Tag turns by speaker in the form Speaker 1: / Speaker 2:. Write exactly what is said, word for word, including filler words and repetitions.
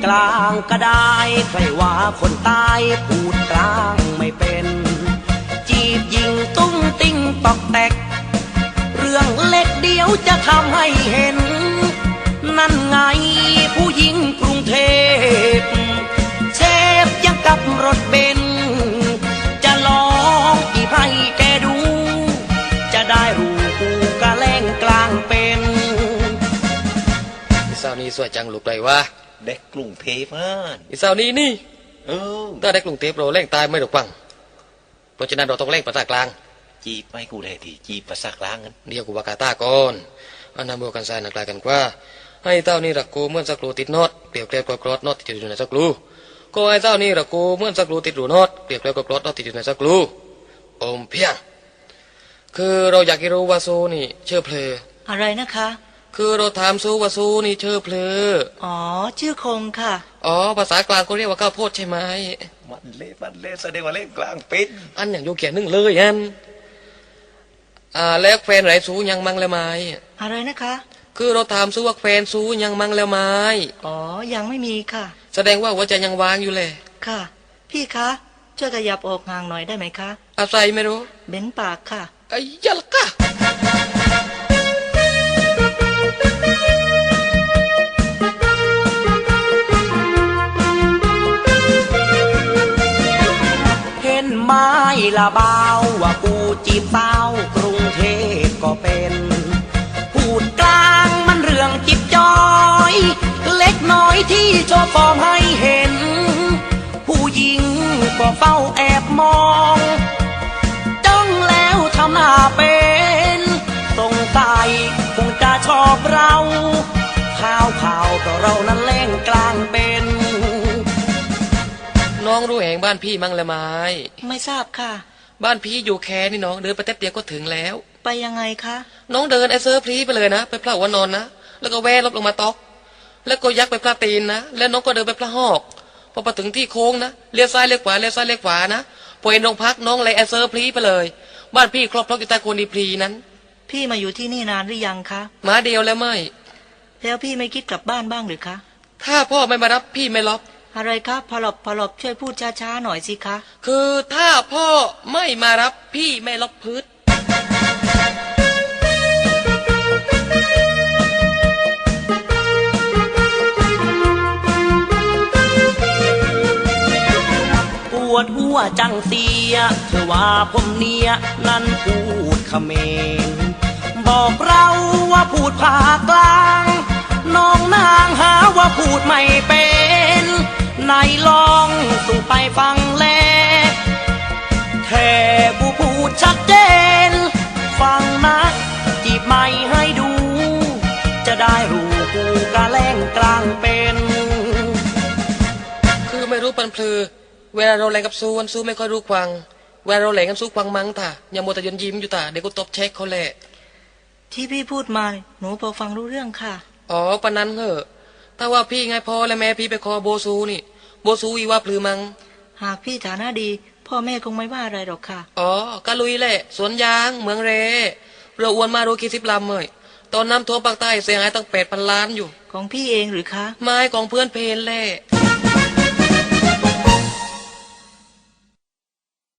Speaker 1: ลางก็ได้ใครว่าคนตายพูดกลางไม่เป็นจีบยิงตุ้งติ้งตอกแตกเรื่องเล็กเดียวจะทำให้เห็นนั่นไงผู้หญิงกรุงเทพเชฟยังกับรถเบนซ์จะลองอีไพ่แกดูจะได้รู้กูกะแล่งกลางเป็น
Speaker 2: อีสาวนี้สวยจังลูกเลยวะ
Speaker 3: เด็กกรุงเทพอ่ะ
Speaker 2: อีสาวนี้นี่
Speaker 3: เออ
Speaker 2: ถ้าเด็กกรุงเทพเราแล่งตายไม่ถูกปังเพราะฉะนั้นเราต้องแล่งภาษากลาง
Speaker 3: จีบไม่กูได้ทีจีบภาษากลางกัน
Speaker 2: เดี๋ยวกูบากาตาก่อนอันนั้นบวกกันสายนักลายกันกว่าให้เต้านี่รักกูเหมือนสักรูติดน็อตเปรียบเทียบกับกรอดน็อตที่อยู่ในสักรูก็ให้เต้านี่รักกูเหมือนสักรูติดรูน็อตเปรียบเทียบกับกรอดน็อตที่อยู่ในสักรูอมเพียงคือเราอยากรู้ว่าซูนี่เชื่อเพลอ
Speaker 4: อะไรนะคะ
Speaker 2: คือเราถามซูว่าซูนี่เชื่อเพลอ
Speaker 4: อ๋อชื่อคงค่ะ
Speaker 2: อ๋อภาษากลางเขาเรียกว่าข้าวโพดใช่ไหม
Speaker 3: มันเละมันเละแสดงว่าเล่นกลางเป็น
Speaker 2: อันอย่างโยเกียนึ่งเลยอันอ่าแล้วแฟนไรซูยังมั่งแล้วไหม
Speaker 4: อะไรนะคะ
Speaker 2: คือเราถามซูว่าแฟนซูยังมั่งแล้วไหม
Speaker 4: อ๋อยังไม่มีค่ะ
Speaker 2: แสดงว่าหัวใจยังวางอยู่เลย
Speaker 4: ค่ะพี่คะช่วยขยับออกห่างหน่อยได้ไหมคะ
Speaker 2: อะไรไม่รู้
Speaker 4: เบ้นปากค่ะ
Speaker 2: ไอ้ยัลกะ
Speaker 1: เห็นไม้ละเบาว่ากูจีบสาวกรุงเทพก็เป็นพูดกลางมันเรื่องจิบจอยเล็กน้อยที่โชว์ฟอร์มให้เห็นผู้หญิงก็เฝ้าแอบมองจ้องแล้วทำหน้าเป็นสงสัยคงจะชอบเราข่าวข่าวก็เรานั้นเล่งกลางเป็น
Speaker 2: น้องรู้แห่งบ้านพี่มั่งละไม
Speaker 4: ไม่ทราบค่ะ
Speaker 2: บ้านพี่อยู่แค่นี่น้องเดินไปแป๊บเดียวก็ถึงแล้ว
Speaker 4: ไปยังไงคะ
Speaker 2: น้องเดินไอเซอร์พลีไปเลยนะไปพระหัวนอนนะแล้วก็แวะลบลงมาตอกแล้วก็ยักไปพระตีนนะแล้วน้องก็เดินไปพระหอกพอไปถึงที่โค้งนะเลี้ยวซ้ายเลี้ยวขวาเลี้ยวซ้ายเลี้ยวขวานะพอเห็นโรงพักน้องเลยไอเซอร์พลีไปเลยบ้านพี่ครอบครัวอยู่ใต้โคนดีพลีนั้น
Speaker 4: พี่มาอยู่ที่นี่นานหรือยังคะ
Speaker 2: มาเดียวแล้วไม่
Speaker 4: แล้วพี่ไม่คิดกลับบ้านบ้างหรือคะ
Speaker 2: ถ้าพ่อไม่มารับพี่ไม่ล็อก
Speaker 4: อะไรครับพอหลบพอหลบช่วยพูดช้าๆหน่อยสิคะ
Speaker 2: คือถ้าพ่อไม่มารับพี่ไม่ล็อกพื้น
Speaker 1: ปวดหัวจังเสียเธอว่าผมเนียนั่นพูดเขมรบอกเราว่าพูดภาคกลางน้องนางหาว่าพูดไม่เป็นไหนลองสู่ไปฟังแลแค่กูพูดชัดเจนฟังนะจีบไม่ให้ดูจะได้รู้กูกะแล่งกลางเป็น
Speaker 2: คือไม่รู้ปันพลือเวลาเราแรงกับซูวันซูไม่ค่อยรู้ควังเวลาเราแรงกับซูควังมั้งท่าอย่ามัวแต่ยนยิ้มอยู่ท่าเดี๋ยวกูตบเช็คเขาแหละ
Speaker 4: ที่พี่พูดมาหนูพอฟังรู้เรื่องค่ะ
Speaker 2: อ๋อปะนั้นเหอะถ้าว่าพี่ไงพ่อและแม่พี่ไปคอโบซูนี่โบซูอีว่าพลือมัง
Speaker 4: หากพี่ฐานะดีพ่อแม่คงไม่ว่าอะไรหรอกค่ะ
Speaker 2: อ๋อกะลุยแหละสวนยางเมืองเรเรืออ้วนมาดูกี่สิบลำเลยตอนน้ำท่วมภาคใต้เสียหายตั้งแปดพันล้านอยู่
Speaker 4: ของพี่เองหรือคะ
Speaker 2: ไม้ของเพื่อนเพลแหละ